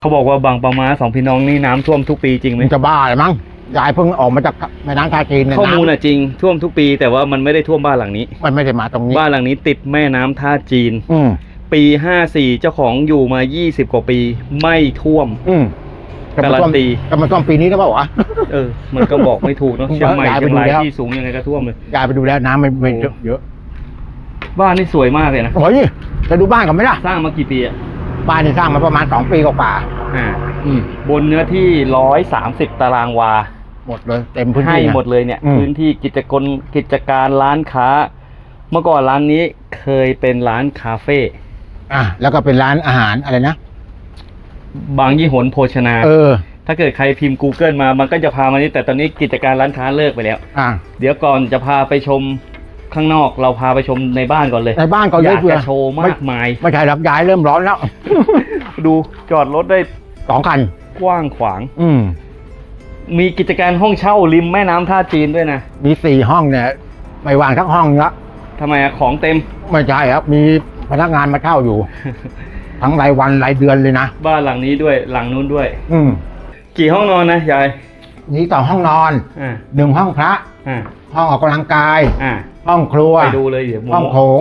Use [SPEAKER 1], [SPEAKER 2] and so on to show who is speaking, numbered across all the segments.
[SPEAKER 1] เขาบอกว่าบางปะมาสองพี่น้องนี่น้ำท่วมทุกปีจริงไหม
[SPEAKER 2] จะบ้าเลยมั้งยายเพิ่งออกมาจากแม่น้ำท่าจีนเนี่ย
[SPEAKER 1] ข้อมูลน่ะจริงท่วมทุกปีแต่ว่ามันไม่ได้ท่วมบ้านหลังนี้
[SPEAKER 2] มันไม่ได้มาตรงนี้
[SPEAKER 1] บ้านหลังนี้ติดแม่น้ำท่าจีน
[SPEAKER 2] อืม
[SPEAKER 1] ปี54เจ้าของอยู่มา20กว่าปีไม่ท่วม
[SPEAKER 2] อืม
[SPEAKER 1] การันตี
[SPEAKER 2] จะมาท่วมปีนี้หรือเปล่าวะ
[SPEAKER 1] มันก็บอกไม่ถูกเนาะเชียงใหม่
[SPEAKER 2] ย้ายไป
[SPEAKER 1] เชียงราย
[SPEAKER 2] ดูแล้ว
[SPEAKER 1] ที่สูงยังไงก็ท่วมเลย
[SPEAKER 2] ยายไปดูแล้วน้ำไม่เยอะ
[SPEAKER 1] บ้านนี่สวยมากเลยนะ
[SPEAKER 2] โอ้ยจะดูบ้านกันไหมล่ะ
[SPEAKER 1] สร้างมากี่ปีอะ
[SPEAKER 2] บ้านนี่สร้างมาประมาณ2 ปีกว่า
[SPEAKER 1] อ่า
[SPEAKER 2] ๆอืม
[SPEAKER 1] บนเนื้อที่130ตารางวา
[SPEAKER 2] หมดเลยเต็มพื้น
[SPEAKER 1] ให้
[SPEAKER 2] ที่นะ
[SPEAKER 1] หมดเลยเนี่ย
[SPEAKER 2] อืม
[SPEAKER 1] พื้นที่กิจการร้านค้า เมื่อก่อนร้านนี้เคยเป็นร้านคาเฟ่
[SPEAKER 2] แล้วก็เป็นร้านอาหารอะไรนะ
[SPEAKER 1] บางยี่หนโภชนา ถ้าเกิดใครพิมพ์ Google มามันก็จะพามานี่แต่ตอนนี้กิจการร้านค้าเลิกไปแล้ว เดี๋ยวก่อนจะพาไปชมข้างนอกเราพาไปชมในบ้านก่อนเลย
[SPEAKER 2] ในบ้านก็
[SPEAKER 1] อ
[SPEAKER 2] เย
[SPEAKER 1] ยา
[SPEAKER 2] อะ
[SPEAKER 1] ก
[SPEAKER 2] เพื่อ
[SPEAKER 1] จะโชว์มากมาย
[SPEAKER 2] ไม่ใช่หรอกยายเริ่มร้อนแล้ว
[SPEAKER 1] ดูจอดรถได้
[SPEAKER 2] 2 คัน
[SPEAKER 1] กว้างขวาง
[SPEAKER 2] อืม
[SPEAKER 1] มีกิจการห้องเช่าริมแม่น้ำท่าจีนด้วยนะ
[SPEAKER 2] มี4 ห้องเนี่ยไม่วางทั้งห้องละ
[SPEAKER 1] ทำไมอะของเต็ม
[SPEAKER 2] ไม่ใช่ครับมีพนักงานมาเช่าอยู่ ทั้งรายวันรายเดือนเลยนะ
[SPEAKER 1] บ้านหลังนี้ด้วยหลังนู้นด้วย
[SPEAKER 2] อืม
[SPEAKER 1] กี่ห้องนอนนะยาย
[SPEAKER 2] นี่2 ห้องนอน
[SPEAKER 1] อ่า
[SPEAKER 2] 1 ห้องพระ
[SPEAKER 1] อ่า
[SPEAKER 2] ห้องออกกำลังกาย
[SPEAKER 1] อ่า
[SPEAKER 2] ห้องครัว
[SPEAKER 1] ไปดูเลยเดี๋ยวโม
[SPEAKER 2] ห้องโถง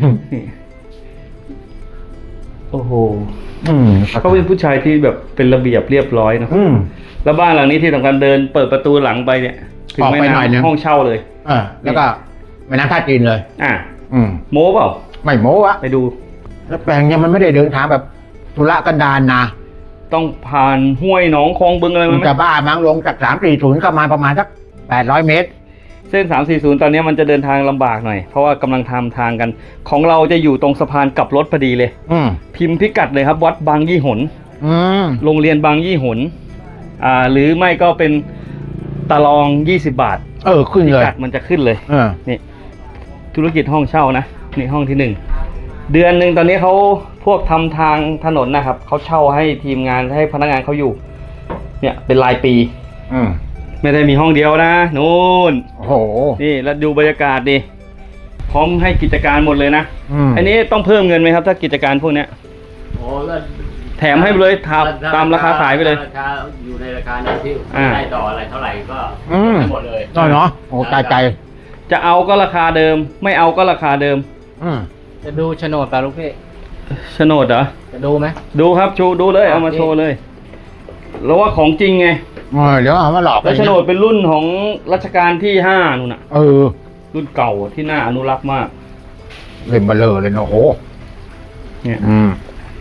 [SPEAKER 1] โอ้โห
[SPEAKER 2] อืม
[SPEAKER 1] เขาเป็นผู้ชายที่แบบเป็นระเบียบเรียบร้อยเนอะ
[SPEAKER 2] อืม
[SPEAKER 1] แล้วบ้านหลังนี้ที่สำคัญเดินเปิดประตูหลังไปเนี่ยถึง
[SPEAKER 2] ออก
[SPEAKER 1] แม่
[SPEAKER 2] ไปหน่อยนึง
[SPEAKER 1] น้ำห้องเช่าเลย
[SPEAKER 2] แล้วก็แม่น้ำท่าจีนเลย
[SPEAKER 1] อ่า
[SPEAKER 2] อืม
[SPEAKER 1] โม้เปล่า
[SPEAKER 2] ไม่โม้อะ
[SPEAKER 1] ไปดู
[SPEAKER 2] แล้วแปลงเนี่ยมันไม่ได้เดินทางแบบธุระกันดารนะ
[SPEAKER 1] ต้องผ่านห้วยหนองคลองบึงอะไร
[SPEAKER 2] มัน
[SPEAKER 1] ไหม
[SPEAKER 2] จะบ้ามั้งลงจาก340เข้ามาประมาณสัก800 เมตร
[SPEAKER 1] เส้น340ตอนนี้มันจะเดินทางลำบากหน่อยเพราะว่ากำลังทำทางกัน ของเราจะอยู่ตรงสะพานกลับรถพอดีเลย
[SPEAKER 2] อืม
[SPEAKER 1] พิมพ์พิกัดเลยครับวัดบางยี่หน
[SPEAKER 2] อืม
[SPEAKER 1] โรงเรียนบางยี่หนหรือไม่ก็เป็นตะลอง20 บาท
[SPEAKER 2] ขึ้น
[SPEAKER 1] พิ
[SPEAKER 2] เลย
[SPEAKER 1] กัดมันจะขึ้นเลย
[SPEAKER 2] เออ
[SPEAKER 1] นี่ธุรกิจห้องเช่านะนี่ห้องที่1เดือนหนึ่งตอนนี้เขาพวกทำทางถนนนะครับเขาเช่าให้ทีมงานให้พนักงานเขาอยู่ เนี่ยเป็นรายปี
[SPEAKER 2] อืม
[SPEAKER 1] ไม่ได้มีห้องเดียวนะนู่น
[SPEAKER 2] โอ้โห
[SPEAKER 1] นี่แล้วดูบรรยากาศดิพร้อมให้กิจการหมดเลยนะ อันนี้ต้องเพิ่มเงินไหมครับถ้ากิจการพวกเนี้ย
[SPEAKER 3] โอ้ก็
[SPEAKER 1] แถมให้ไปเลยตามราคาขายไปเลย
[SPEAKER 3] ราคาอยู่ในราคานั้นที่
[SPEAKER 1] อ่า
[SPEAKER 3] ได้ต่ออะไรเท่าไหร่ก็
[SPEAKER 2] อืม
[SPEAKER 3] ให้หมดเลย
[SPEAKER 2] น้อยเนาะโอ้ใจ
[SPEAKER 1] จะเอาก็ราคาเดิม ไม่เอาก็ราคาเดิม
[SPEAKER 2] อืม
[SPEAKER 3] จะดูโฉนดป่ะลูกพี่
[SPEAKER 1] โฉนดเหรอ
[SPEAKER 3] จะดูไหม
[SPEAKER 1] ดูครับโชว์ดูเลยเอามาโชว์เลยแล้วว่าของจริงไง
[SPEAKER 2] เดี๋ยวเอามาหลอก
[SPEAKER 1] แล้วโฉนดเป็นรุ่นของรัชกาลที่5นู่นน่ะ รุ่นเก่าที่น่าอนุรักษ์มาก
[SPEAKER 2] เล่นเบลอเลยเนาะโอ้โห
[SPEAKER 1] เนี่ย
[SPEAKER 2] อืม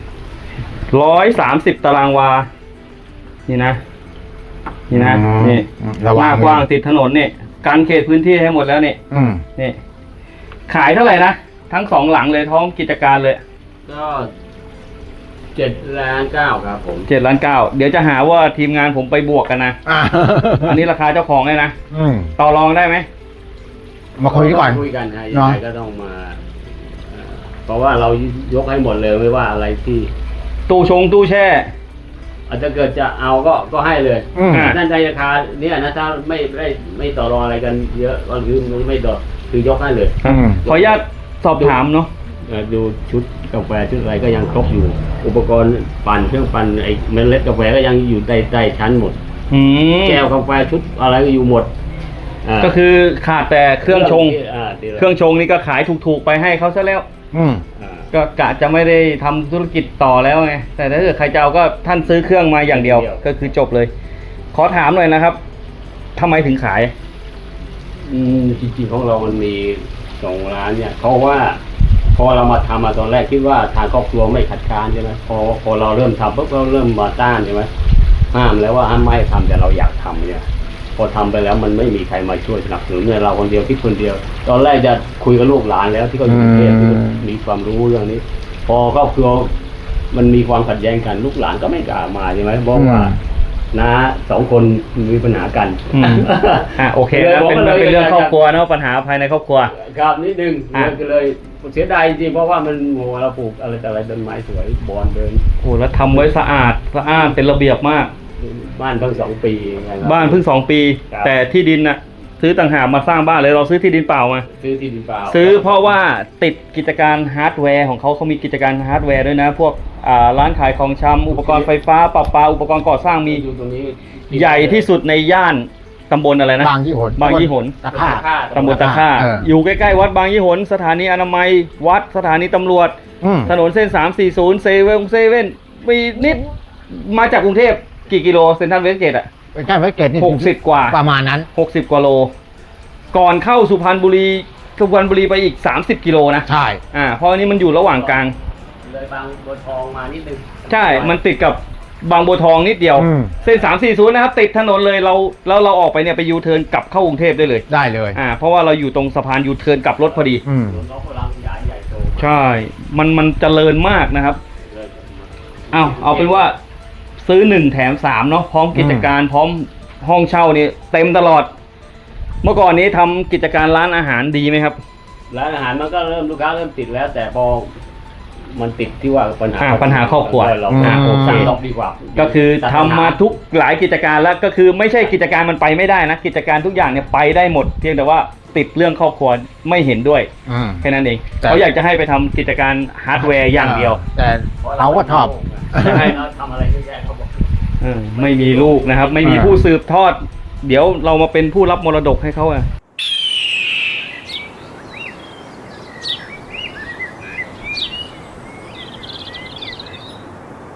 [SPEAKER 1] 130ตารางวา นี่นะ นี่นะ นี่
[SPEAKER 2] ระ
[SPEAKER 1] ห
[SPEAKER 2] วั
[SPEAKER 1] น้าง กว้างติดถนนเนี่ยการเขตพื้นที่ให้หมดแล้วเนี่ย
[SPEAKER 2] อืม
[SPEAKER 1] นี่ ขายเท่าไหร่นะ ทั้ง2หลังเลยท้องกิจการเลย
[SPEAKER 3] ก็7,900,000ครับผม
[SPEAKER 1] 7,900,000เดี๋ยวจะหาว่าทีมงานผมไปบวกกันนะ อันนี้ราคาเจ้าของเลยนะ
[SPEAKER 2] อืม
[SPEAKER 1] ต่อรองได้ไหม
[SPEAKER 2] มาคุยก่อน
[SPEAKER 3] คุยกันนะยัง
[SPEAKER 2] เนาะ
[SPEAKER 3] ไงก็ต้องมาเพราะว่าเรายกให้หมดเลยไม่ว่าอะไรที่
[SPEAKER 1] ตู้แช่
[SPEAKER 3] อาจจะเกิดจะเอาก็ให้เลย
[SPEAKER 2] อืม
[SPEAKER 3] นั่นในราคาเนี่ยนะถ้าไม่ต่อรองอะไรกันเยอะก็คือไม่ดอกคือยกให้เลย
[SPEAKER 2] อืม
[SPEAKER 1] ขออนุญาตสอบถามเนาะ
[SPEAKER 3] ดูชุดกาแฟชุดอะไรก็ยังครบอยู่ อุปกรณ์ปั่นเครื่องปั่นไอ้เมล็ดกาแฟก็ยังอยู่ใต้ชั้นหมด
[SPEAKER 1] อืม
[SPEAKER 3] แก้วกาแฟชุดอะไรก็อยู่หมดา
[SPEAKER 1] ก็คือขาดแต่เครื่องชง
[SPEAKER 3] ที่
[SPEAKER 1] เครื่องชงนี่ก็ขายถูกๆไปให้เขาซะแล้ว
[SPEAKER 2] อืม
[SPEAKER 1] ก็กะจะไม่ได้ทำธุรกิจต่อแล้วไง แต่ถ้าเกิดใครจะเอาก็ท่านซื้อเครื่องมาอย่างเดียว ก็คือจบเลย ขอถามหน่อยนะครับทำไมถึงขาย
[SPEAKER 3] จริงๆของเรามันมี2 ร้านเนี่ยเพราะว่าพอเรามาทำมาตอนแรกคิดว่าทางครอบครัวไม่ขัดขานใช่ไหมพอเราเริ่มทำปุ๊บเราเริ่มมาต้านใช่ไหมห้ามแล้วว่าห้ามไม่ให้ทำแต่เราอยากทำเนี่ยพอทำไปแล้วมันไม่มีใครมาช่วยสนับสนุนเนี่ยเราคนเดียวคิดคนเดียว ตอนแรกจะคุยกับลูกหลานแล้วที่เขาอยู่กรุงเทพที่เขามีความรู้เรื่องนี้ พอครอบครัวมันมีความขัดแย้งกันลูกหลานก็ไม่กล้ามาใช่ไหมบอกว่าน้า2 คนมีปัญหากัน
[SPEAKER 1] อืม โอเคนะเป็นเรื่องครอบครัวเนาะปัญหาภายในครอบครัว
[SPEAKER 3] ครับนิดนึง
[SPEAKER 1] อ่ะ
[SPEAKER 3] ก็เลยเสียดายจริงๆเพราะว่ามันโหเราปลูกอะไรแต่อะไรต้นไม้สวยบอนเดิน
[SPEAKER 1] โอ้แล้วทำไว้สะอาดเป็นระเบียบมาก
[SPEAKER 3] บ้านเพิ่ง2 ปีไงครับ
[SPEAKER 1] บ้านเพิ่ง2 ปี
[SPEAKER 3] ครับ
[SPEAKER 1] แต่ที่ดินน่ะซื้อต่างหากมาสร้างบ้านเลยเราซื้อที่ดินเปล่ามา
[SPEAKER 3] ซื้อที่ดินเปล่า
[SPEAKER 1] ซื้อเพราะว่าติดกิจการฮาร์ดแวร์ของเขามีกิจการฮาร์ดแวร์ด้วยนะ พวกร้านขายของชำอุปกรณ์ไฟฟ้าประปาอุปกรณ์ก่อสร้างมี
[SPEAKER 3] อยู่ตรงนี้
[SPEAKER 1] ใหญ่ที่สุดในย่านตำบลอะไรนะ
[SPEAKER 2] บางยี่หน
[SPEAKER 1] บางยี่หน
[SPEAKER 2] ตะค่า
[SPEAKER 1] ตำบลตะค่า
[SPEAKER 2] เออ
[SPEAKER 1] อยู่ใกล้ๆวัดบางยี่หนสถานีอนามัยวัดสถานีตำรวจ
[SPEAKER 2] อืม
[SPEAKER 1] ถนนเส้น 340 เซเว่นมีนิดมาจากกรุงเทพกี่กิโลเซ็นทรัลเวสเกตอ่ะ
[SPEAKER 2] เป็นการไว้เกตนี่
[SPEAKER 1] 60 กว่า
[SPEAKER 2] ประมาณนั้น
[SPEAKER 1] 60 กว่าโล ก่อนเข้าสุพรรณบุรีไปอีก 30 กิโลนะ
[SPEAKER 2] ใช่
[SPEAKER 1] เพราะอันนี้มันอยู่ระหว่างกลาง
[SPEAKER 3] เลยบางบัวทองมานิดนึง
[SPEAKER 1] ใช่ มันติดกับบางบัวทองนิดเดียว
[SPEAKER 2] อืม
[SPEAKER 1] เส้น 340 นะครับ ติดถนนเลยเราออกไปเนี่ยไปยูเทิร์นกลับเข้ากรุงเทพได้เลย
[SPEAKER 2] ได้เลย
[SPEAKER 1] เพราะว่าเราอยู่ตรงสะพานยูเทิร์นกลับรถพอดี
[SPEAKER 2] อืม
[SPEAKER 3] ถนนเขากำลังขยายใหญ่โต
[SPEAKER 1] ใช่ มันเจริญมากนะครับ
[SPEAKER 3] เลย
[SPEAKER 1] เอาเป็นว่าซื้อ1แถม3เนาะพร้อมกิจการพร้อมห้องเช่านี่เต็มตลอด เมื่อก่อนนี้ทำกิจการร้านอาหารดีไหมครับ
[SPEAKER 3] ร้านอาหารมันก็เริ่มลูกค้าเริ่มติดแล้ว แต่พอมันติดที่ว่าปัญหา
[SPEAKER 1] ปัญหาครอบครัว
[SPEAKER 3] เรา
[SPEAKER 1] โอเค
[SPEAKER 3] สั่งดอกดีกว่า
[SPEAKER 1] ก็คือทำมาทุกหลายกิจการแล้วก็คือไม่ใช่กิจการมันไปไม่ได้นะ กิจการทุกอย่างเนี่ยไปได้หมด เพียงแต่ว่าติดเรื่องครอบครัวไม่เห็นด้วย
[SPEAKER 2] อืม
[SPEAKER 1] แค่นั้นเอง
[SPEAKER 2] แต่
[SPEAKER 1] เขาอยากจะให้ไปทำกิจการฮาร์ดแวร์อย่างเดียว
[SPEAKER 2] แต่เราก็ชอบ
[SPEAKER 1] ใช่
[SPEAKER 3] เราทำอะไรเยอะแยะเขาบอก
[SPEAKER 1] ไม่มีลูกนะครับ ไม่มีผู้สืบทอด เดี๋ยวเรามาเป็นผู้รับมรดกให้เขาอะ